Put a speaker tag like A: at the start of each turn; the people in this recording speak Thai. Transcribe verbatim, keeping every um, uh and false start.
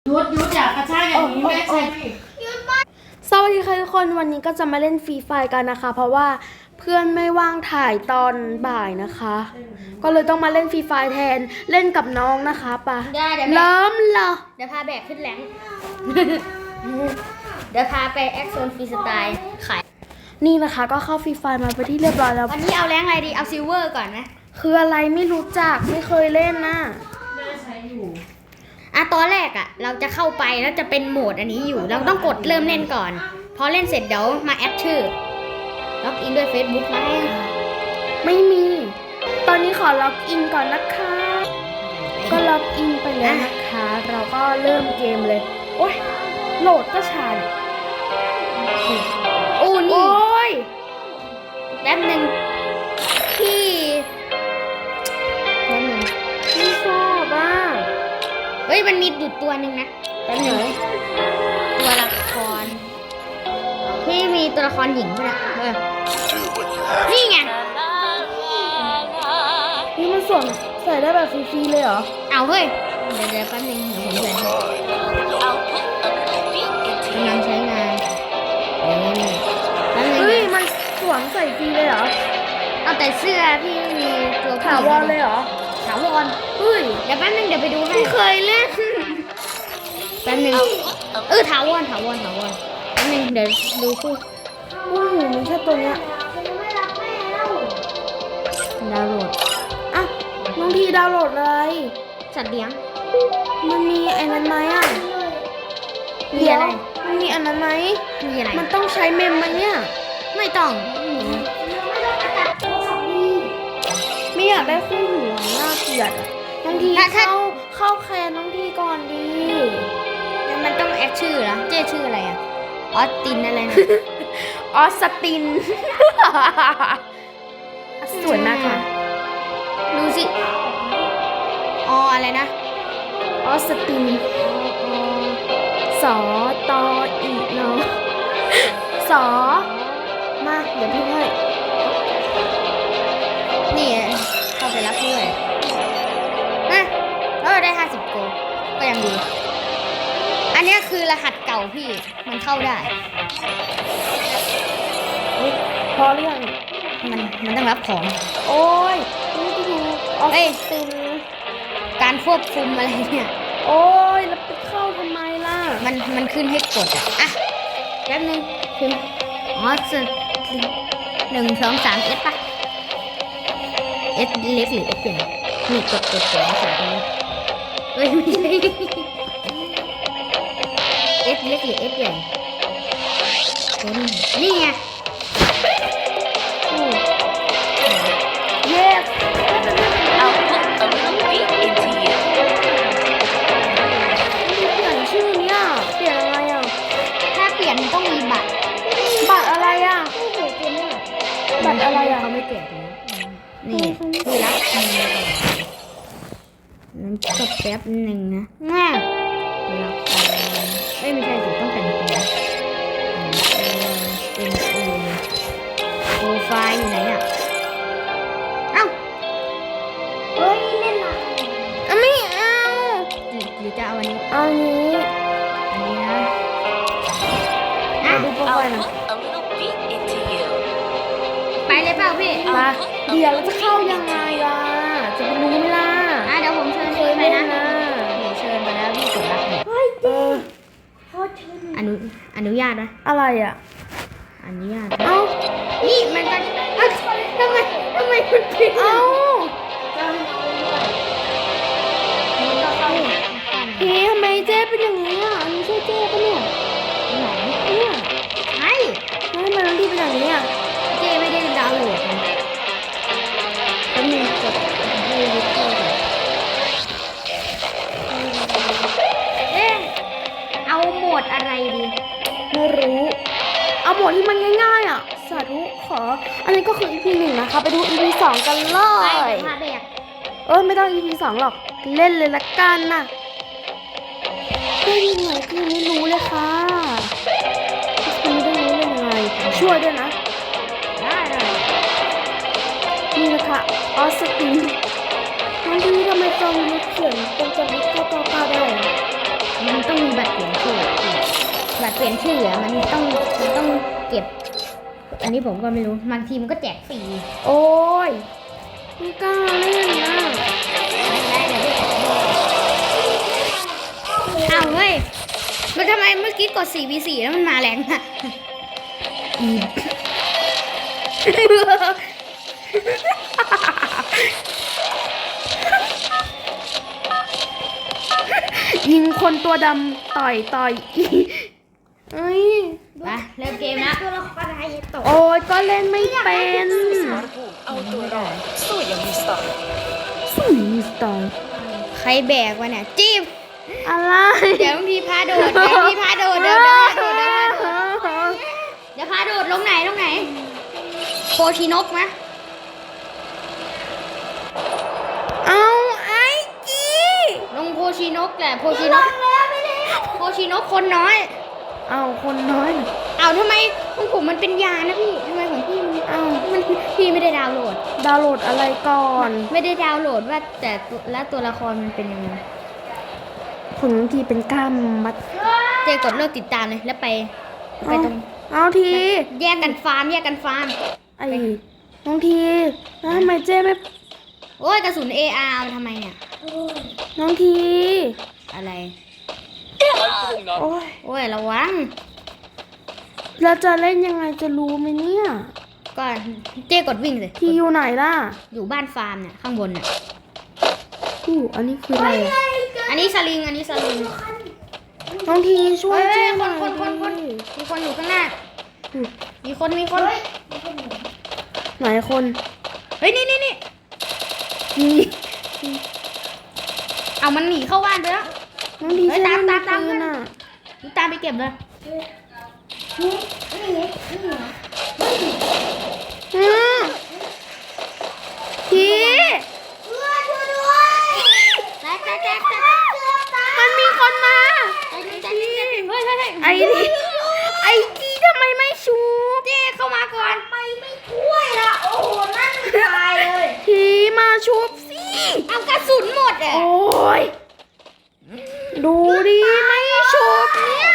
A: ยุดยุดอย่ากระชากอย่างนี้แม่ใช่
B: สวัสดีค่ะทุกคนวันนี้ก็จะมาเล่นฟรีไฟกันนะคะ เพราะว่าเพื่อนไม่ว่างถ่ายตอนบ่ายนะคะ ก็เลยต้องมาเล่นฟรีไฟแทนเล่นกับน้องนะคะปะ
C: ได้เดี๋ยว
B: เริ่มเหรอ
C: เดี๋ยวพาแบกขึ้นแหลง เดี๋ยวพาไปแอคโซนฟรีสไตล์ขาย
B: นี่นะคะก็เข้าฟรีไฟมาไปนที่เรียบร้อยแล้ว
C: วันนี้เอาแรงอะไรดีเอาซิลเวอร์ก่อนนะ
B: คืออะไรไม่รู้จักไม่เคยเล่นนะ
A: แม่ใช้อยู่
C: อ่ะตอนแรกอ่ะ เราจะเข้าไปแล้วจะเป็นโหมดอันนี้อยู่ เราต้องกดเริ่มเล่นก่อน พอเล่นเสร็จเดี๋ยวมาแอดชื่อล็อกอินด้วย Facebook นะ
B: ไม่มี ตอนนี้ขอล็อกอินก่อนนะคะ ก็ล็อกอินไปแล้วนะคะ เราก็เริ่มเกมเลยโอ้ยโหลดก็ช้าเนี่ย
C: โอ้
B: โอ
C: นี่
B: ้ย
C: แป๊บหนึ่งพี่แป๊บหนึ่ง
B: ไม่ชอบอ่ะ
C: เฮ้ยมันมีดุดตัวหนึ่งนะแป๊บหนึ่งตัวละครพี่มีตัวละครหญิงด้วยนะเออนี่ไง
B: นี่มันสวมใส่ได้แบบฟรีๆเลยเหรอ
C: เอาเฮ้ย เดี๋ยวเดี๋ยวแป๊บนึงเดี๋ยวผมใส่ให้กำลังใช้งานเออแป๊บนึง
B: เฮ้ย มันสวมใส่ฟรีเลยเหรอ
C: เอาแต่เสื้อพี่ไม่มีตัวผู้หญิง
B: ถาวรเลยเหรอ
C: ถาวร
B: เฮ้ย
C: เดี๋ยวแป๊บนึงเดี๋ยวไปดูให้
B: ไม่เคยเล่น
C: แป๊บนึงเออถาวรถาวรถาวรแป๊บนึงเดี๋ยวดูคู่
B: โอ้โหมันแค่ตัวเนี้ย
C: ดาวน์โหลด
B: อ่ะน้องทีดาวน์โหลดเลย
C: สัตว์เลี้ยง
B: มันมีไอ้นั้นไหมอ่ะ
C: มีอะไร
B: เดี๋ยวมันมีอันนั้นไหม
C: มีอะไร
B: มันต้องใช้เมมไหมเนี่ย
C: ไม่ต้อง
B: ไม่อยากได้คู่หูอะน่าเกลียดอะน้องทีเข้าเข้าแคนน้องทีก่อนดี
C: มันต้องแอดชื่อเหรอเจ๊ชื่ออะไรอ่ะออสตินอะไรนะ
B: ออสติน สวยมากค่ะ
C: ดูสิอ๋ออะไรนะ
B: ออสติน สอตออีเนาะสอมา เดี๋ยวพี่ให้
C: นี่เข้าไปรับด้วยนะเออได้ห้าสิบโกลก็ยังดี อันเนี้ยคือรหัสเก่าพี่ มันเข้าได้
B: เฮ้ยพอหรือยัง
C: มันมันต้องรับของ
B: โอ้ยนี่ไปดูออ
C: เอ้ย
B: สติน
C: การควบคุมอะไรเนี่ย
B: โอ้ยแล้วไปเข้าทำไมล่ะ
C: มันมันขึ้นให้กดอ่ะ อ่ะแป๊บนึงพิมพ์อ๋อสหนึ่งสองสามเอสปะเอสเล็กหรือเอสใหญ่นี่กดกดกดแล้วใส่ตรงนี้เฮ้ยไม่ใช่เอสเล็กหรือเอสใหญ่เอ็นนี่ไง
B: เย้เปลี่ยนชื่อเนี่ยเปลี่ยนอะไรอ่ะ
C: ถ้าเปลี่ยนมันต้องมีบัตร
B: บัตรอะไรอ่ะ
C: โอ้โหเต็มเลย
B: บัตรอะไรอ่ะ
C: เขาไม่เปลี่ยนตรงนี้นี่คือรับเงินก่อนนั้นก็แป๊บหนึ่งนะง่ารับเอ้ยไม่ใช่สิต้องแต่งตัวเป็นเอโปรไฟล์อยู่ไหนอ่ะเอ้าเฮ้ยเล่นอะไร
B: อ่ะไม่เอา
C: หรือหรือจะเอาอันนี้
B: เอานี้
C: อันนี้นะ
B: มา
C: อ่ะ
B: ดูโปรไฟล์หน่อย
C: ไปเลยเปล่าพี่
B: มาเดี๋ยวเราจะเข้ายังไงล่ะ จะไปรู้ไหมล่ะ
C: อ่ะเดี๋ยวผมเชิญ
B: เค
C: พี่
B: ย
C: ไป
B: เล่น
C: นะ
B: นะ
C: หนูเชิญมาแล้วพี่กดรับเนี่ย
B: เออ
C: อนุอนุญาตนะ
B: อะไรอ่ะ
C: อนุญาต
B: เอ้า
C: นี่มันก็เอ้าทำไมทำไมมันผิด
B: เอ้า
C: มันก็เข้า
B: พี่ทำไมเจ๊เป็นอย่างนี้อ่ะอันนี้ใช่เจ๊ปะเนี่ย
C: ไหน
B: เนี่ย
C: ใช่
B: แล้วทำไมน้องดีเป็นอย่างนี้อ่ะ
C: เจไม่ได้ดาวน์โหลดนะก็มีกดให้วิดีโอเอ๊ะเอาโหมดอะไรดี
B: ไม่รู้ เอาบทที่มันง่ายๆอ่ะ สาธุขอ อันนี้ก็คือ อี พี หนึ่งนะคะ ไปดู อี พี สองกันเล
C: ไป
B: ย
C: เดี๋ยวพาแบก
B: เออไม่ต้อง อี พี สองหรอก เล่นเลยละกันน่ะได้ยังไงคือไม่รู้เลยค่ะคือไม่ได้รู้เลยยังไง ช่วยด้วยนะ
C: ได้เลย
B: นี่นะคะออสตินน้องดีทำไมจอมยุทธเขียนเป็นจอมยุทธเก้าเก้าเก้าได้อะ
C: นมันต้องมีบัตรเปลี่ยนชื่อบัตรเปลี่ยนชื่ออะมันต้องมันต้องเก็บ อันนี้ผมก็ไม่รู้บางทีมันก็แจกฟรี
B: โอ้ยไม่กล้าเล่นนะ
C: ได้เดี๋ยวพี่อ้าวเฮ้ยมันทำไมเมื่อกี้กด สี่ วี สี่ แล้วมันมาแรงอะอี
B: ยิงคนตัวดำต่อยต่อยอีเอ้ย
C: ไปเริ่มเกมนะตัวละครอะไรตก
B: โอ้ยก็เล่นไม่เป็น
D: เอาตัวรอดสู้อย่างมีสไตล์
B: สู้มีสไตล์
C: ใครแบกวะเนี่ยจิ้ม
B: อะไร
C: เดี๋ยวพี่พาโดดเดี๋ยวพี่พาโดดเดี๋ยวเดี๋ยวพาโดดเดี๋ยวพาโดดเดี๋ยวพาโดดลงไหนลงไหนโคชินกมะ
B: เอาไอ้จี
C: ลงโคชินกแหละโคชินกโคชินกคนน้อย
B: เอาคนน้อยน่ะ
C: เอาทำไมของผมมันเป็นยานะพี่ทำไมของพี่มัน
B: เอา
C: มันพี่ไม่ได้ดาวน์โหลด
B: ดาวน์โหลดอะไรก่อน
C: ไม่ได้ดาวน์โหลดว่าแต่ตัวและตัวละครมันเป็นยังไง
B: ผลทีเป็นกล้ามมัด
C: เจกดเลิกติดตามเลยแล้วไปไปตรง
B: เอาที
C: แยกกันฟาร์มแยกกันฟาร์ม
B: ไอ้น้องทีแล้วทำไมเจ๊ไม่
C: โอ้ยกระสุน เอ อาร์ เอาทำไมเนี่ย
B: น้องที
C: อะไร
B: โอ้ย
C: โอ้ยระวัง
B: เราจะเล่นยังไงจะรู้ไหมเนี่ย
C: ก็เจ๊กดวิ่งเลย
B: ทีอยู่ไหนล่ะ
C: อยู่บ้านฟาร์มเนี่ยข้างบนเนี่ย
B: อู้อันนี้คืออะไรอะ
C: อันนี้สลิงอันนี้สลิง
B: น้องทีช่วย
C: เฮ้ย
B: เจ๊
C: ค
B: หน่
C: น
B: อย
C: คนคนคน
B: ดิ
C: มีคนอยู่ข้างหน้า
B: อู้
C: มีคนมีคน
B: ไหนคน
C: เฮ้ยนี่นี่นี่
B: นี่
C: เอามันหนีเข้าบ้านไปแล้ว
B: น้องที
C: เฮ้ย
B: ช่วย
C: ตามตามตาม
B: ปืนอ่ะ
C: ดูตามไปเก็บเลย
B: อืมที
C: แตกแตกแตกแตก
B: มันมีคนมา
C: แตกแตกแตกเฮ้ยเฮ้ยเฮ้ย
B: ไอ้ทีไอ้ทีทำไมไม่ชูบ
C: เจ๊เข้ามาก่อนไปไม่ช่วยละโอ้โหนั่นตายเลย
B: ทีมาชูบสิ
C: เอากระสุนหมดอ่ะ
B: โอ้ยดูดิไม่ชูบเนี่ย